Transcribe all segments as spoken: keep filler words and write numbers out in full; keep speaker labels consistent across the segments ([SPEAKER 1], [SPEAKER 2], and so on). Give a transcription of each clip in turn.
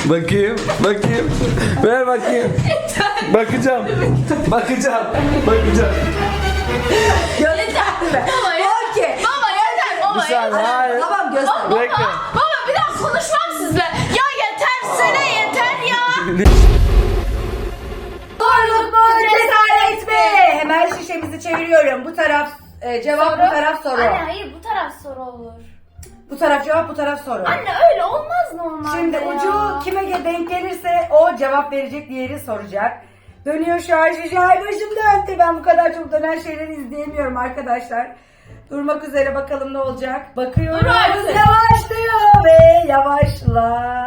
[SPEAKER 1] Bakayım, bakayım. Ver bakayım. Bakacağım. Bakacağım. Bakacağım.
[SPEAKER 2] Yeter mi?
[SPEAKER 3] Baba yeter.
[SPEAKER 2] Okey.
[SPEAKER 3] Baba yeter baba
[SPEAKER 1] Bir saniye,
[SPEAKER 3] yeter.
[SPEAKER 1] hayır.
[SPEAKER 2] Tamam göster.
[SPEAKER 1] Bekle.
[SPEAKER 3] Baba bir daha konuşmam sizle. Ya yeter sene yeter ya.
[SPEAKER 2] Doğruluk mu cesaret mi? Hemen şişemizi çeviriyorum. Bu taraf e, cevap, bu taraf soru.
[SPEAKER 3] Anne hayır bu taraf soru olur.
[SPEAKER 2] Bu taraf cevap, bu taraf soru.
[SPEAKER 3] Anne öyle olmaz normalde
[SPEAKER 2] Şimdi
[SPEAKER 3] ya.
[SPEAKER 2] ucu kime denk gelirse o cevap verecek, diğeri soracak. Dönüyor şu an şişe. Ay başım döndü. Ben bu kadar çok dönen şeyleri izleyemiyorum arkadaşlar. Durmak üzere, bakalım ne olacak. Bakıyoruz.
[SPEAKER 3] Dur artık.
[SPEAKER 2] Yavaşlıyor ve yavaşla.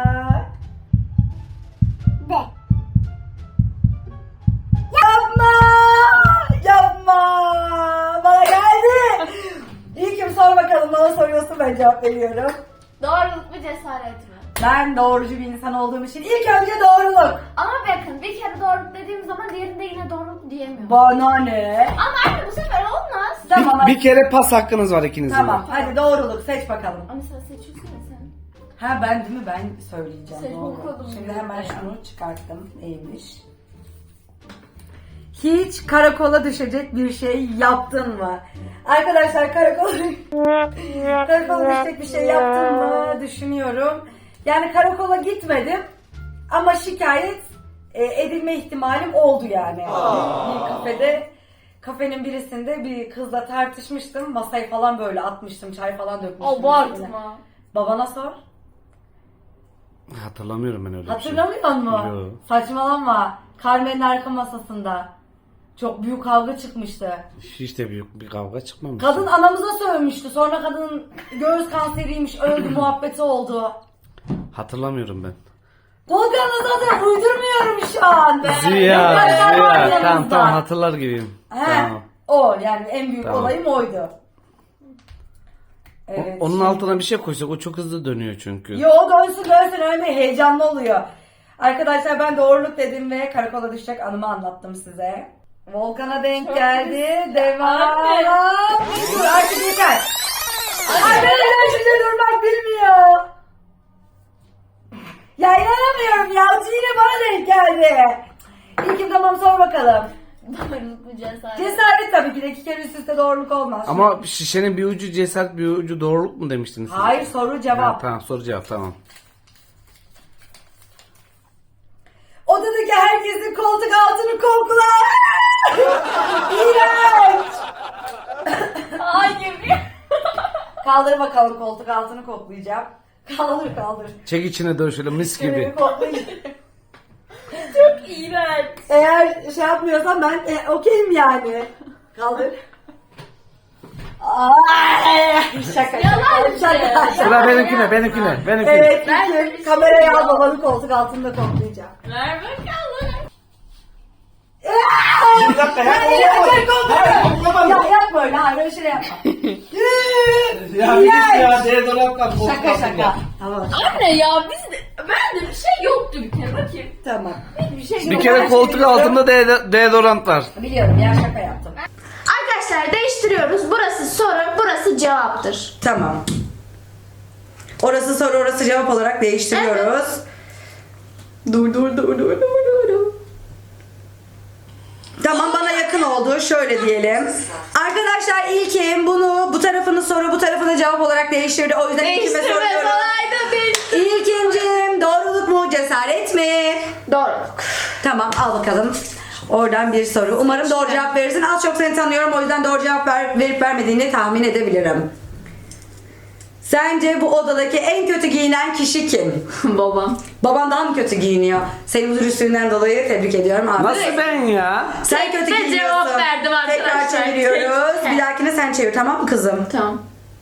[SPEAKER 4] De.
[SPEAKER 2] Yapma! Yapma! Bana geldi. İlkim sor bakalım, bana soruyorsun, ben cevap veriyorum.
[SPEAKER 3] Doğruluk mu cesaret mi?
[SPEAKER 2] Ben doğrucu bir insan olduğum için ilk önce doğruluk.
[SPEAKER 3] Ama bakın bir kere doğruluk dediğim zaman diğerinde yine doğruluk diyemiyorum.
[SPEAKER 2] Bana ne?
[SPEAKER 3] Ama anne bu sefer olmaz.
[SPEAKER 2] Tamam,
[SPEAKER 1] Bir, bir
[SPEAKER 2] hadi.
[SPEAKER 1] kere pas hakkınız var ikinizin.
[SPEAKER 2] Tamam, hadi doğruluk seç bakalım.
[SPEAKER 3] Ama sen seçiyorsun ya sen.
[SPEAKER 2] Ha ben değil mi? Ben söyleyeceğim.
[SPEAKER 3] Seç
[SPEAKER 2] doğru.
[SPEAKER 3] bakalım.
[SPEAKER 2] Şimdi hemen şunu çıkarttım. Neymiş? Hiç karakola düşecek bir şey yaptın mı? Arkadaşlar karakola, karakola düşecek bir şey yaptın mı düşünüyorum. Yani karakola gitmedim ama şikayet e, edilme ihtimalim oldu yani. Bir kafede, kafenin birisinde bir kızla tartışmıştım. Masayı falan böyle atmıştım, çay falan dökmüştüm. üstüne.
[SPEAKER 3] Abartma.
[SPEAKER 2] Babana sor.
[SPEAKER 1] Hatırlamıyorum ben öyle bir şey.
[SPEAKER 2] Hatırlamıyor musun?
[SPEAKER 1] Yok.
[SPEAKER 2] Saçmalama. Carmen'in arka masasında. Çok büyük kavga çıkmıştı.
[SPEAKER 1] Hiç de büyük bir kavga çıkmamış.
[SPEAKER 2] Kadın anamıza sövmüştü. Sonra kadının göğüs kanseriymiş, öldü muhabbeti oldu.
[SPEAKER 1] Hatırlamıyorum ben.
[SPEAKER 2] Volkan'la zaten uydurmuyorum şu an.
[SPEAKER 1] Ziya,
[SPEAKER 2] Arkadaşlar var
[SPEAKER 1] Ziya. Tamam
[SPEAKER 2] yanımızda.
[SPEAKER 1] tamam hatırlar gibiyim.
[SPEAKER 2] He,
[SPEAKER 1] Tamam.
[SPEAKER 2] o yani en büyük
[SPEAKER 1] Tamam.
[SPEAKER 2] olayım oydu.
[SPEAKER 1] O-
[SPEAKER 2] Evet.
[SPEAKER 1] onun
[SPEAKER 2] şimdi-
[SPEAKER 1] altına bir şey koysak o çok hızlı dönüyor çünkü.
[SPEAKER 2] Yo dönsün dönsün, öyle heyecanlı oluyor. Arkadaşlar ben doğruluk dedim ve karakola düşecek anımı anlattım size. Volkan'a denk geldi. Devam.
[SPEAKER 3] Anne.
[SPEAKER 2] Dur artık yeter. Arkadaşlar şimdi durmak bilmiyor. Ya inanamıyorum ya. Yine bana denk geldi. İlkim tamam, sor bakalım.
[SPEAKER 3] Doğruluk mu cesaret?
[SPEAKER 2] Cesaret tabii ki de, iki kere üst üste doğruluk olmaz.
[SPEAKER 1] Ama şişenin bir ucu cesaret bir ucu doğruluk mu demiştiniz? siz?
[SPEAKER 2] Hayır, soru
[SPEAKER 1] Ha,
[SPEAKER 2] cevap.
[SPEAKER 1] tamam soru cevap tamam.
[SPEAKER 2] Odadaki herkesin koltuk altını kokla. İğrenç.
[SPEAKER 3] Hayır.
[SPEAKER 2] Kaldır bakalım, koltuk altını koklayacağım. Kaldır kaldır.
[SPEAKER 1] Çek içine dön şöyle mis
[SPEAKER 2] Şöyle
[SPEAKER 1] gibi.
[SPEAKER 2] bir koklayayım.
[SPEAKER 3] Çok iğrenç.
[SPEAKER 2] Eğer şey yapmıyorsan ben e, okeyim yani. Kaldır. Ay, şaka
[SPEAKER 3] Yalan
[SPEAKER 2] şaka
[SPEAKER 3] işte.
[SPEAKER 2] şaka.
[SPEAKER 1] Sıra benimkine benimkine benimkine.
[SPEAKER 2] Evet,
[SPEAKER 3] Ben
[SPEAKER 2] İlkim,
[SPEAKER 3] böyle bir şey
[SPEAKER 2] kamerayı al,
[SPEAKER 3] yok.
[SPEAKER 2] babanın koltuk altında koklayacağım.
[SPEAKER 3] Ver bakalım.
[SPEAKER 1] Bir dakika ya.
[SPEAKER 2] Ya, ya, ya yapma öyle, hayır öyle şey yapma.
[SPEAKER 1] Ya bir git ya deodorantla koltuk
[SPEAKER 2] Şaka
[SPEAKER 1] altında.
[SPEAKER 2] şaka. Tamam.
[SPEAKER 3] Anne ya biz de, ben de bir şey yoktu bir kere bakayım.
[SPEAKER 2] Tamam.
[SPEAKER 3] Hiçbir şey
[SPEAKER 1] Bir
[SPEAKER 3] yok.
[SPEAKER 1] kere
[SPEAKER 2] Ben
[SPEAKER 1] koltuk
[SPEAKER 2] biliyorum.
[SPEAKER 1] altında de- deodorant var.
[SPEAKER 2] Biliyorum ya, şaka yaptım.
[SPEAKER 3] Arkadaşlar değiştiriyoruz. Burası soru, burası cevaptır.
[SPEAKER 2] Tamam. Orası soru, orası cevap olarak değiştiriyoruz. Dur dur dur dur dur dur dur. Tamam, bana yakın oldu. Şöyle diyelim. Arkadaşlar İlkim bunu, bu tarafını soru, bu tarafını cevap olarak değiştirdi. O yüzden İlkim'e
[SPEAKER 3] Değiştirme
[SPEAKER 2] soruyorum.
[SPEAKER 3] olaydı değiştir.
[SPEAKER 2] İlkim'cim doğruluk mu cesaret mi?
[SPEAKER 3] Doğruluk.
[SPEAKER 2] Tamam, al bakalım. Oradan bir soru. Umarım doğru cevap verirsin. Az çok seni tanıyorum, o yüzden doğru cevap ver, verip vermediğini tahmin edebilirim. Sence bu odadaki en kötü giyinen kişi kim?
[SPEAKER 3] Babam.
[SPEAKER 2] Baban daha mı kötü giyiniyor? Seni bu dürüstlüğünden dolayı tebrik ediyorum abi.
[SPEAKER 1] Nasıl ben ya?
[SPEAKER 2] Sen kötü
[SPEAKER 3] Tek de
[SPEAKER 2] giyiniyorsun.
[SPEAKER 3] cevap verdim
[SPEAKER 2] Tekrar
[SPEAKER 3] arkadaşlar.
[SPEAKER 2] çeviriyoruz.
[SPEAKER 3] Tek.
[SPEAKER 2] Bir dahakine sen çevir, tamam mı kızım?
[SPEAKER 3] Tamam.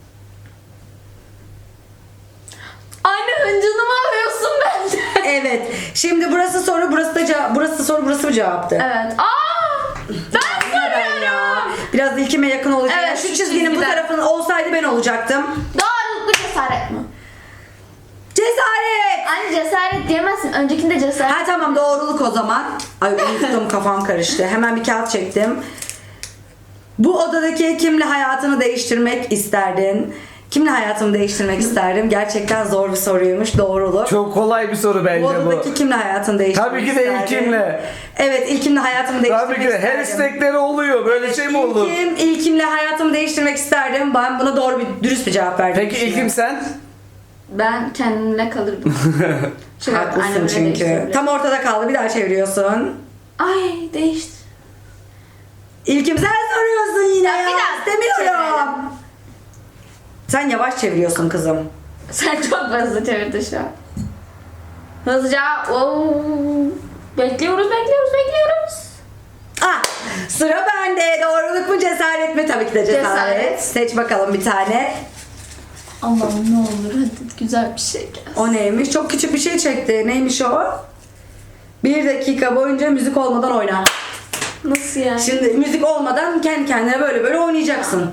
[SPEAKER 3] Anne hıncını mı alıyorsun benden?
[SPEAKER 2] Evet. Şimdi burası soru, burası da cevap. Burası soru, burası mı cevaptı?
[SPEAKER 3] Evet. Aa! Ben
[SPEAKER 2] Ben ya. Biraz ilkime yakın olacak.
[SPEAKER 3] Evet,
[SPEAKER 2] Yani şu
[SPEAKER 3] şu
[SPEAKER 2] çizginin bu
[SPEAKER 3] çizgiden.
[SPEAKER 2] tarafının olsaydı ben olacaktım.
[SPEAKER 3] Doğruluk mu cesaret mi?
[SPEAKER 2] Cesaret!
[SPEAKER 3] Anne cesaret diyemezsin. Öncekinde cesaret.
[SPEAKER 2] Ha tamam, doğruluk o zaman. Ay unuttum, kafam karıştı. Hemen bir kağıt çektim. Bu odadaki kimle hayatını değiştirmek isterdin? Kimle hayatımı değiştirmek isterdim? Gerçekten zor bir soruymuş. Doğruluk.
[SPEAKER 1] Çok kolay bir soru bence
[SPEAKER 2] Bu
[SPEAKER 1] bu.
[SPEAKER 2] odadaki kimle hayatımı değiştirmek
[SPEAKER 1] Tabii ki de
[SPEAKER 2] isterdim?
[SPEAKER 1] ilkimle.
[SPEAKER 2] Evet, ilkimle hayatımı değiştirmek
[SPEAKER 1] Tabii ki de her
[SPEAKER 2] isterdim.
[SPEAKER 1] istekleri oluyor. Böyle şey mi olur?
[SPEAKER 2] İlkim, ilkimle hayatımı değiştirmek isterdim. Ben buna doğru bir, dürüst bir cevap verdim.
[SPEAKER 1] Peki ilkim sen?
[SPEAKER 3] Ben kendimle kalırdım. Çünkü
[SPEAKER 2] Haklısın
[SPEAKER 3] annemle
[SPEAKER 2] çünkü.
[SPEAKER 3] değiştirebilirim.
[SPEAKER 2] Tam ortada kaldı. Bir daha çeviriyorsun.
[SPEAKER 3] Ay değişti.
[SPEAKER 2] İlkim sen soruyorsun yine
[SPEAKER 3] Ya,
[SPEAKER 2] ya.
[SPEAKER 3] bir daha
[SPEAKER 2] İstemiyorum.
[SPEAKER 3] çevirelim.
[SPEAKER 2] Sen yavaş çeviriyorsun kızım.
[SPEAKER 3] Sen çok hızlı çevirdin şu an. Hızlıca. Oo. Bekliyoruz, bekliyoruz, bekliyoruz.
[SPEAKER 2] Ah, sıra bende. Doğruluk mu cesaret mi? Tabii ki de cesaret.
[SPEAKER 3] Cesaret.
[SPEAKER 2] Seç bakalım bir tane.
[SPEAKER 3] Allah'ım ne olur hadi güzel bir şey gelsin.
[SPEAKER 2] O neymiş? Çok küçük bir şey çekti. Neymiş o? Bir dakika boyunca müzik olmadan oyna.
[SPEAKER 3] Nasıl yani?
[SPEAKER 2] Şimdi müzik olmadan kendi kendine böyle böyle oynayacaksın.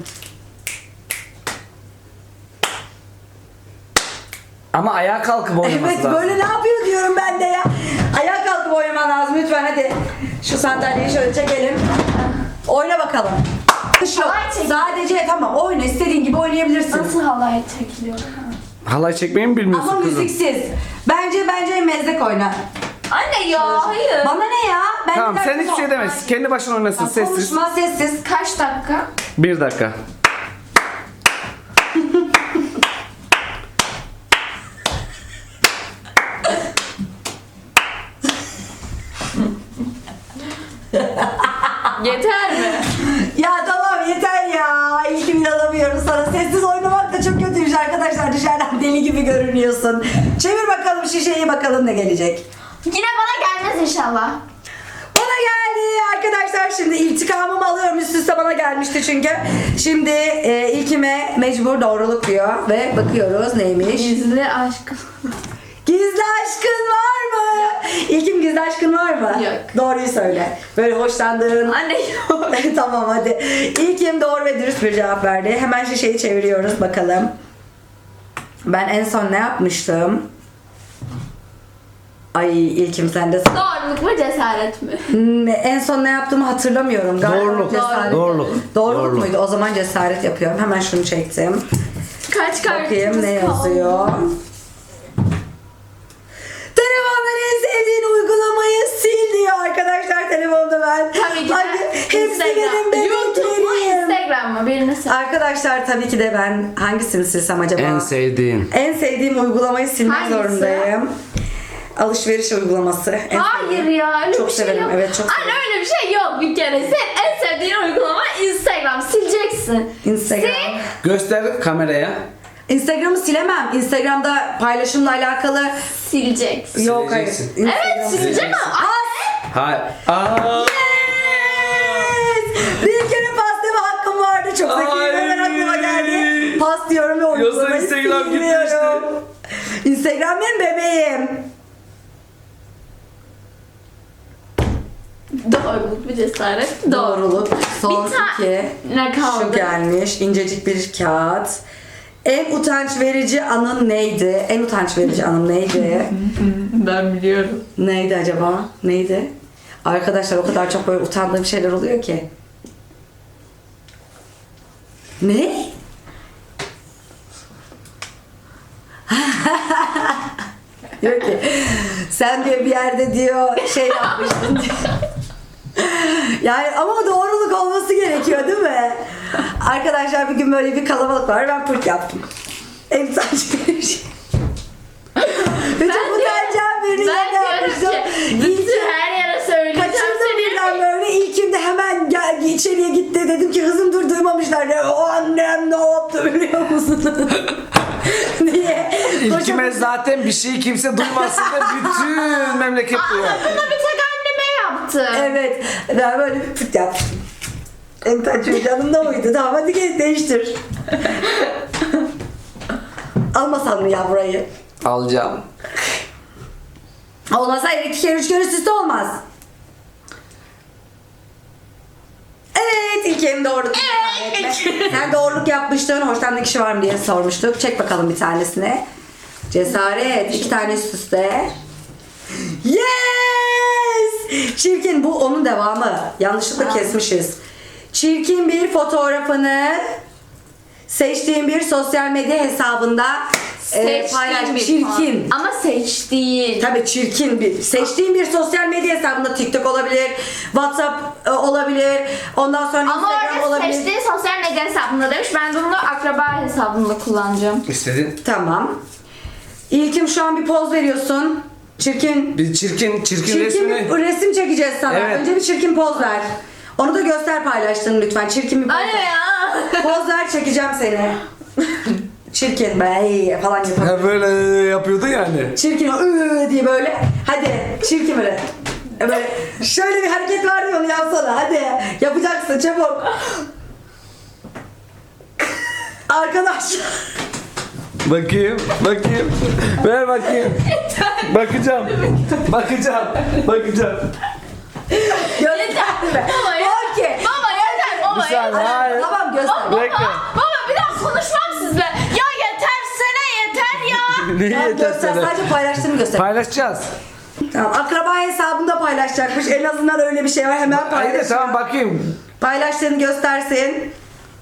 [SPEAKER 1] Ama ayağa kalkıp oynaması
[SPEAKER 2] Evet,
[SPEAKER 1] lazım.
[SPEAKER 2] böyle ne yapıyor diyorum ben de ya. Ayağa kalkıp oynaman lazım lütfen, hadi. Şu sandalyeyi şöyle çekelim. Oyna bakalım. Şu,
[SPEAKER 3] Halay çek.
[SPEAKER 2] sadece tamam oyna, istediğin gibi oynayabilirsin.
[SPEAKER 3] Nasıl halay çekiliyor?
[SPEAKER 1] Halay çekmeyi mi bilmiyorsun
[SPEAKER 2] Ama
[SPEAKER 1] kızım?
[SPEAKER 2] müziksiz. Bence bence mezdek oyna.
[SPEAKER 3] Anne ya hayır.
[SPEAKER 2] Bana ne ya? Ben
[SPEAKER 1] Tamam
[SPEAKER 2] bir
[SPEAKER 1] sen
[SPEAKER 2] dakika
[SPEAKER 1] hiçbir şey
[SPEAKER 2] sonra-
[SPEAKER 1] demezsin. Kendi başına oynasın
[SPEAKER 2] Ya,
[SPEAKER 1] sessiz.
[SPEAKER 2] Konuşma sessiz.
[SPEAKER 3] Kaç dakika?
[SPEAKER 1] Bir dakika.
[SPEAKER 3] Yeter mi?
[SPEAKER 2] Ya tamam yeter ya. İlkim inanamıyorum sana. Sessiz oynamak da çok kötüymüş arkadaşlar. Dışarıdan deli gibi görünüyorsun. Çevir bakalım şişeyi, bakalım ne gelecek.
[SPEAKER 3] Yine bana gelmez inşallah.
[SPEAKER 2] Bana geldi arkadaşlar, şimdi intikamımı alıyorum, üst üste bana gelmişti çünkü. Şimdi e, ilkime mecbur doğruluk diyor ve bakıyoruz neymiş.
[SPEAKER 3] Gizli aşk.
[SPEAKER 2] Gizli aşkın var mı? İlkim gizli aşkın var mı?
[SPEAKER 3] Yok.
[SPEAKER 2] Doğruyu söyle. Böyle hoşlandığın.
[SPEAKER 3] Anne yok.
[SPEAKER 2] Tamam hadi. İlkim doğru ve dürüst bir cevap verdi. Hemen şişeyi çeviriyoruz bakalım. Ben en son ne yapmıştım? Ay ilkim sen de...
[SPEAKER 3] Doğruluk mu cesaret mi?
[SPEAKER 2] Ne- En son ne yaptığımı hatırlamıyorum. Galiba
[SPEAKER 1] Doğruluk.
[SPEAKER 2] cesaret.
[SPEAKER 1] Doğruluk.
[SPEAKER 2] Doğruluk
[SPEAKER 1] Doğruluk.
[SPEAKER 2] muydu? O zaman cesaret yapıyorum. Hemen şunu çektim.
[SPEAKER 3] Kaç kartımız
[SPEAKER 2] Bakayım ne
[SPEAKER 3] kaldı?
[SPEAKER 2] yazıyor. Telefondan en sevdiğin uygulamayı sil diyor arkadaşlar telefonda ben.
[SPEAKER 3] Tabii ki de
[SPEAKER 2] Hadi, hepsi benim
[SPEAKER 3] YouTube mu
[SPEAKER 2] bebeklerim.
[SPEAKER 3] Instagram mı? Birini seç.
[SPEAKER 2] Arkadaşlar tabii ki de ben hangisini silsem acaba?
[SPEAKER 1] En sevdiğin.
[SPEAKER 2] En sevdiğim uygulamayı silmek
[SPEAKER 3] Hangisi?
[SPEAKER 2] zorundayım. Alışveriş uygulaması. En
[SPEAKER 3] Hayır
[SPEAKER 2] sevdiğim.
[SPEAKER 3] ya öyle
[SPEAKER 2] Çok
[SPEAKER 3] bir şey
[SPEAKER 2] severim,
[SPEAKER 3] yok.
[SPEAKER 2] evet, çok
[SPEAKER 3] Anne
[SPEAKER 2] severim.
[SPEAKER 3] öyle bir şey yok bir kere. Sen en sevdiğin uygulama Instagram. Sileceksin.
[SPEAKER 2] Instagram.
[SPEAKER 3] Sil.
[SPEAKER 1] Göster kameraya.
[SPEAKER 2] Instagram'ı silemem. Instagram'da paylaşımla alakalı
[SPEAKER 3] Sileceksin.
[SPEAKER 2] yok hayır.
[SPEAKER 1] Sileceksin.
[SPEAKER 3] Evet
[SPEAKER 2] Instagram-
[SPEAKER 3] sileceğim ama.
[SPEAKER 1] Hayır. Aa.
[SPEAKER 2] Yes! Bir kere pas deme hakkım vardı. Çok zekiyim.
[SPEAKER 1] Ay!
[SPEAKER 2] Hemen aklıma geldi. Pas diyorum ve uygulamayı
[SPEAKER 1] Instagram
[SPEAKER 2] silmiyorum. Instagram benim bebeğim.
[SPEAKER 3] Doğruluk bir cesaret.
[SPEAKER 2] Doğruluk. Son
[SPEAKER 3] Bir ta-
[SPEAKER 2] iki.
[SPEAKER 3] Ne kaldı?
[SPEAKER 2] Şu gelmiş. İncecik bir kağıt. En utanç verici anın neydi? En utanç verici anım neydi?
[SPEAKER 3] Ben biliyorum.
[SPEAKER 2] Neydi acaba? Neydi? Arkadaşlar o kadar çok böyle utandığım şeyler oluyor ki. Ne? Diyor ki sen diyor bir yerde diyor şey yapmıştın diyor. Yani ama doğruluk olması gerekiyor değil mi? Arkadaşlar bir gün böyle bir kalabalık var, ben pırt yaptım. En saçma bir şey. Ve çok utanacağım birini
[SPEAKER 3] Ben
[SPEAKER 2] yerine
[SPEAKER 3] diyorum
[SPEAKER 2] yapmıştım.
[SPEAKER 3] ki
[SPEAKER 2] İlkim-
[SPEAKER 3] bütün her yere söyleyeceğim
[SPEAKER 2] Kaçırdım
[SPEAKER 3] seni.
[SPEAKER 2] birden böyle. İlkim de hemen gel, içeriye gitti. Dedim ki kızım dur, duymamışlar. Ne, o annem ne yaptı biliyor musun? Niye?
[SPEAKER 1] İlkime zaten bir şeyi kimse duymasın da bütün memleket duyuyor.
[SPEAKER 3] Aa, bunu bir tek anneme yaptı.
[SPEAKER 2] Evet. Ben böyle bir pıt yaptım. En taçlı canım da oydu. Tamam hadi gel değiştir. Almasan mı ya burayı?
[SPEAKER 1] Alacağım.
[SPEAKER 2] Olmasa iki kere üç kere üst üste olmaz. Evet İlkim doğruluk.
[SPEAKER 3] Evet.
[SPEAKER 2] Sen doğruluk yapmıştın. Hoşlandığın kişi var mı diye sormuştuk. Çek bakalım bir tanesini. Cesaret. iki tane üst üste. Yes! Çirkin. Bu onun devamı. Yanlışlıkla
[SPEAKER 3] Aa.
[SPEAKER 2] kesmişiz. Çirkin bir fotoğrafını seçtiğin bir sosyal medya hesabında e, paylaş.
[SPEAKER 3] Seçtiğim bir
[SPEAKER 2] Çirkin.
[SPEAKER 3] puan. Ama seçtiğin.
[SPEAKER 2] Tabii çirkin bir. Seçtiğin bir sosyal medya hesabında TikTok olabilir, WhatsApp e, olabilir, ondan sonra
[SPEAKER 3] Ama
[SPEAKER 2] Instagram
[SPEAKER 3] orada
[SPEAKER 2] olabilir.
[SPEAKER 3] seçtiği sosyal medya hesabında demiş. Ben de bunu akraba hesabımda kullanacağım.
[SPEAKER 1] İstedin.
[SPEAKER 2] Tamam. İlkim şu an bir poz veriyorsun. Çirkin.
[SPEAKER 1] Bir çirkin, çirkin,
[SPEAKER 2] Çirkin
[SPEAKER 1] resmini.
[SPEAKER 2] bir resim çekeceğiz sana.
[SPEAKER 1] Evet.
[SPEAKER 2] Önce bir çirkin poz ver. Onu da göster paylaştığını lütfen. Çirkin bir poz
[SPEAKER 3] Anne
[SPEAKER 2] ver.
[SPEAKER 3] ya.
[SPEAKER 2] Poz ver, çekeceğim seni. Çirkin be falan yapalım.
[SPEAKER 1] Ha, böyle yapıyordun yani.
[SPEAKER 2] Çirkin ıı diye böyle. Hadi çirkin böyle. Böyle şöyle bir hareket var ya, onu yapsana. Hadi yapacaksın çabuk. Arkadaşlar.
[SPEAKER 1] Bakayım, bakayım. Ver bakayım. Bakacağım. Bakacağım. Bakacağım.
[SPEAKER 2] Göster mi?
[SPEAKER 3] Baba yeter.
[SPEAKER 2] Okey.
[SPEAKER 3] Baba yeter. Baba
[SPEAKER 1] Bir saniye,
[SPEAKER 3] yeter.
[SPEAKER 1] hayır.
[SPEAKER 2] Tamam göster.
[SPEAKER 3] Baba,
[SPEAKER 1] Bekle.
[SPEAKER 3] baba bir daha konuşmam sizle. Ya yetersene yeter ya.
[SPEAKER 1] Neyi
[SPEAKER 2] Tamam,
[SPEAKER 1] yeter
[SPEAKER 2] göster,
[SPEAKER 1] sana?
[SPEAKER 2] sadece paylaştığını göster.
[SPEAKER 1] Paylaşacağız.
[SPEAKER 2] Tamam, akraba hesabında paylaşacakmış. En azından öyle bir şey var. Hemen
[SPEAKER 1] Hayır
[SPEAKER 2] paylaş.
[SPEAKER 1] tamam bakayım.
[SPEAKER 2] Paylaştığını göstersin.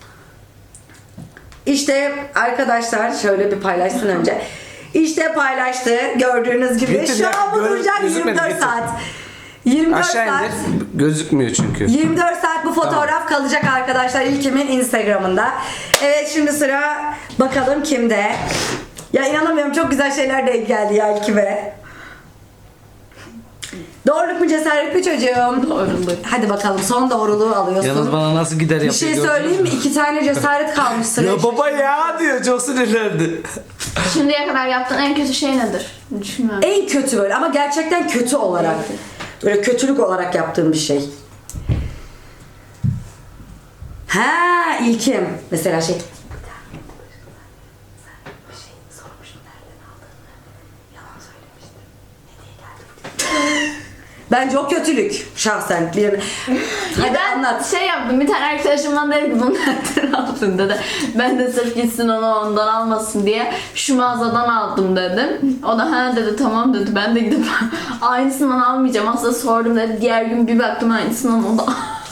[SPEAKER 2] İşte arkadaşlar şöyle bir paylaşsın önce. İşte paylaştı. Gördüğünüz gibi.
[SPEAKER 1] Getir
[SPEAKER 2] Şu
[SPEAKER 1] ya,
[SPEAKER 2] an bu
[SPEAKER 1] gör-
[SPEAKER 2] duracak
[SPEAKER 1] gözükmedi,
[SPEAKER 2] yirmi dört
[SPEAKER 1] getir.
[SPEAKER 2] saat. yirmi dört
[SPEAKER 1] Aşağı
[SPEAKER 2] saat.
[SPEAKER 1] indir. Gözükmüyor çünkü.
[SPEAKER 2] yirmi dört saat bu fotoğraf kalacak arkadaşlar İlkim'in Instagram'ında. Evet şimdi sıra bakalım kimde. Ya inanamıyorum, çok güzel şeyler denk geldi ya İlkim'e. Doğruluk mu cesaret mi çocuğum?
[SPEAKER 3] Doğruluk.
[SPEAKER 2] Hadi bakalım son doğruluğu alıyorsun.
[SPEAKER 1] Yalnız bana nasıl gider
[SPEAKER 2] Bir
[SPEAKER 1] yapıyor.
[SPEAKER 2] şey
[SPEAKER 1] gördün
[SPEAKER 2] söyleyeyim mi?
[SPEAKER 1] mü?
[SPEAKER 2] İki tane cesaret kalmış sıraya.
[SPEAKER 1] Ya baba ya diyor, çok sinirlendi.
[SPEAKER 3] Şimdiye kadar yaptığın en kötü şey nedir? Düşünmüyorum.
[SPEAKER 2] En kötü böyle ama gerçekten kötü olarak. Böyle kötülük olarak yaptığım bir şey. Ha İlkim. Mesela şey. Bence o kötülük şahsen. Bir... Hadi
[SPEAKER 3] ben
[SPEAKER 2] anlat.
[SPEAKER 3] şey yaptım, bir tane arkadaşım bana dedi ki bunu nereden aldın dedi. Ben de sırf gitsin onu ondan almasın diye şu mağazadan aldım dedim. O da ha dedi, tamam dedi. Ben de gidip aynısından almayacağım aslında sordum dedi. Diğer gün bir baktım aynısından o da.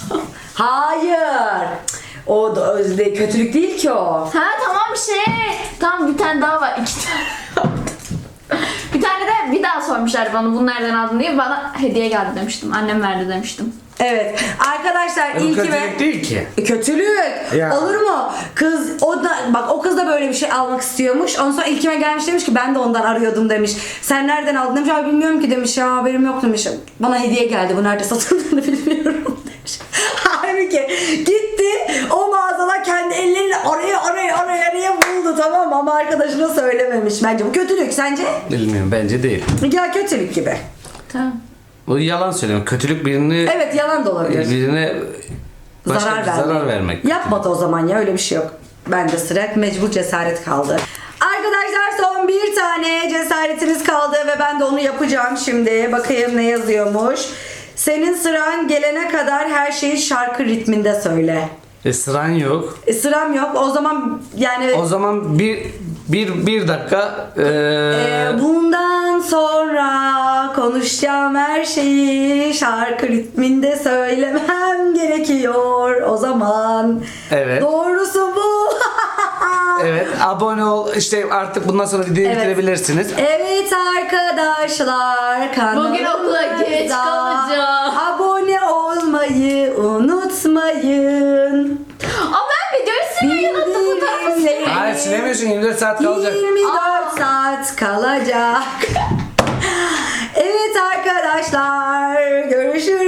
[SPEAKER 2] Hayır. O da özde kötülük değil ki o.
[SPEAKER 3] Ha tamam şey. Tamam bir tane daha var. İki tane. Bir tane de bir daha sormuşlar bana bunu nereden aldın diye, bana hediye geldi demiştim. Annem verdi demiştim.
[SPEAKER 2] Evet. Arkadaşlar
[SPEAKER 1] Bu
[SPEAKER 2] İlkim'e...
[SPEAKER 1] kötülük değil ki.
[SPEAKER 2] E, Kötülük.
[SPEAKER 1] Ya.
[SPEAKER 2] Olur mu? Kız o da bak o kız da böyle bir şey almak istiyormuş. Ondan sonra İlkim'e gelmiş demiş ki ben de ondan arıyordum demiş. Sen nereden aldın demiş. Abi bilmiyorum ki demiş ya, haberim yok demiş. Bana hediye geldi, bu nerede satıldığını bilmiyorum demiş. Halbuki gitti o mağazada kendi elleriyle oraya oraya oraya oraya buldu, tamam mı? Ama arkadaşına söylememiş. Bence bu kötülük, sence?
[SPEAKER 1] Bilmiyorum, bence değil.
[SPEAKER 2] Ya kötülük gibi.
[SPEAKER 3] Tamam.
[SPEAKER 1] Bu yalan söylüyorum. Kötülük birini
[SPEAKER 2] Evet, yalan da olabilir.
[SPEAKER 1] birine başka
[SPEAKER 2] Zarar
[SPEAKER 1] bir
[SPEAKER 2] vermek.
[SPEAKER 1] zarar vermek.
[SPEAKER 2] Yapmadı o zaman ya, öyle bir şey yok. Bende sıra mecbur cesaret kaldı. Arkadaşlar son bir tane cesaretimiz kaldı ve ben de onu yapacağım şimdi. Bakayım ne yazıyormuş. Senin sıran gelene kadar her şeyi şarkı ritminde söyle.
[SPEAKER 1] E, sıran yok.
[SPEAKER 2] E, sıram yok. O zaman yani
[SPEAKER 1] O zaman bir bir bir dakika e,
[SPEAKER 2] e, bundan sonra konuşacağım her şeyi şarkı ritminde söylemem gerekiyor. O zaman
[SPEAKER 1] Evet.
[SPEAKER 2] doğrusu bu.
[SPEAKER 1] evet, abone ol. İşte artık bundan sonra videoyu
[SPEAKER 2] Evet.
[SPEAKER 1] bitirebilirsiniz.
[SPEAKER 2] Evet arkadaşlar, kanalımıza
[SPEAKER 3] Bugün okula geç kalacağım.
[SPEAKER 2] abone olmayı unutmayın.
[SPEAKER 3] Aa ben videoyu silmeyi unuttum, fotoğrafı silmeyi.
[SPEAKER 1] Hayır, silemiyorsun, yirmi dört saat kalacak.
[SPEAKER 2] yirmi dört
[SPEAKER 3] Aa.
[SPEAKER 2] saat kalacak. Evet arkadaşlar, görüşürüz.